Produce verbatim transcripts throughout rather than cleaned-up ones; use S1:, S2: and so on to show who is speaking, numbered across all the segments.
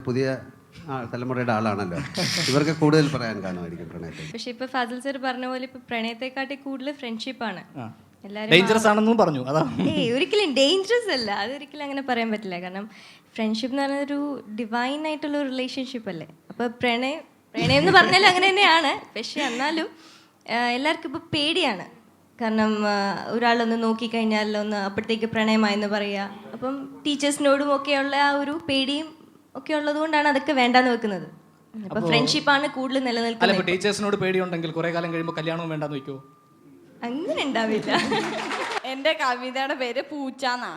S1: പുതിയ ആ, തലമുറയുടെ ആളാണല്ലോ, ഇവർക്ക് കൂടുതൽ പറയാൻ കാണുമായിരിക്കും പ്രണയത്തെ.
S2: പക്ഷെ ഇപ്പൊ ഫാസിൽ സർ പറഞ്ഞ പോലെ ഇപ്പൊ പ്രണയത്തെക്കാട്ടി കൂടുതൽ ഫ്രണ്ട്ഷിപ്പാണ്.
S3: ഡേഞ്ചറസ് ആണെന്നും പറഞ്ഞു. അതാ
S2: ഏയ് ഒരിക്കലും ഡേഞ്ചറസ് അല്ല, അതൊരിക്കലും അങ്ങനെ പറയാൻ പറ്റില്ല. കാരണം ഫ്രണ്ട്ഷിപ്പ് എന്ന് പറയുന്നത് ഒരു ഡിവൈൻ ആയിട്ടുള്ള ഒരു റിലേഷൻഷിപ്പ് അല്ലേ. അപ്പൊ പ്രണയം പ്രണയം എന്ന് പറഞ്ഞാൽ അങ്ങനെ തന്നെയാണ്. പക്ഷെ എന്നാലും എല്ലാവർക്കും ഇപ്പൊ പേടിയാണ്. കാരണം ഒരാളൊന്ന് നോക്കിക്കഴിഞ്ഞാൽ ഒന്ന് അപ്പോഴത്തേക്ക് പ്രണയമായെന്ന് പറയുക. അപ്പം ടീച്ചേഴ്സിനോടും ഒക്കെയുള്ള ആ ഒരു പേടിയും ഒക്കെ ഉള്ളത് കൊണ്ടാണ് അതൊക്കെ വേണ്ടാന്ന് വെക്കുന്നത്. അപ്പൊ ഫ്രണ്ട്ഷിപ്പാണ് കൂടുതൽ നിലനിൽക്കുന്നത്.
S3: ടീച്ചേഴ്സിനോട് പേടിയുണ്ടെങ്കിൽ കുറെ കാലം കഴിയുമ്പോൾ കല്യാണവും വേണ്ടാന്ന് വെക്കോ?
S2: അങ്ങനെ ഉണ്ടാവില്ല.
S4: എന്റെ കവിതയുടെ പേര് പൂച്ചാന്നാ.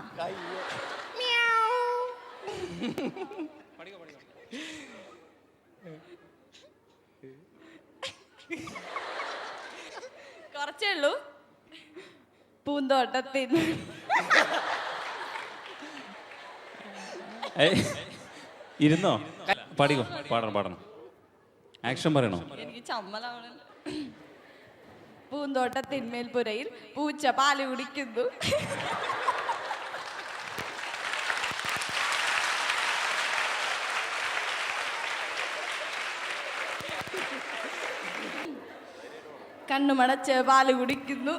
S4: കുറച്ചേ ഉള്ളൂ. പൂന്തോട്ടത്തിൽ
S5: ഇരുന്നോ? പാടിക്കോ, പാടണം പാടണം. ആക്ഷൻ പറയണോ?
S4: എനിക്ക് ചമ്മലാവണല്ലോ. പൂന്തോട്ടത്തിന്മേൽ പുരയിൽ പൂച്ച പാല് കുടിക്കുന്നു. കണ്ണുമടച്ച് പാല് കുടിക്കുന്നു.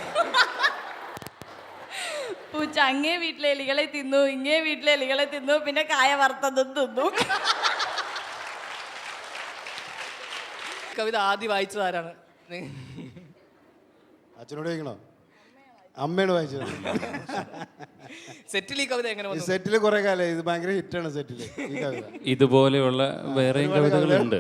S4: പൂച്ച അങ്ങേ വീട്ടിലെ എലികളെ തിന്നു, ഇങ്ങേ വീട്ടിലെ എലികളെ തിന്നു, പിന്നെ കായ വറുത്തതും തിന്നു.
S3: കവിത ആദ്യം വായിച്ചത് ആരാണ്?
S6: അച്ഛനോട് ചോദിക്കണോ? അമ്മയോട് വായിച്ചത്.
S3: സെറ്റിൽ ഈ കവിത എങ്ങനെ വന്നു?
S6: സെറ്റില് കുറെ കാലം ഇത് ഭയങ്കര ഹിറ്റാണ് സെറ്റില് ഈ കവിത.
S5: ഇതുപോലെയുള്ള വേറെയും കവിതകളുണ്ട്.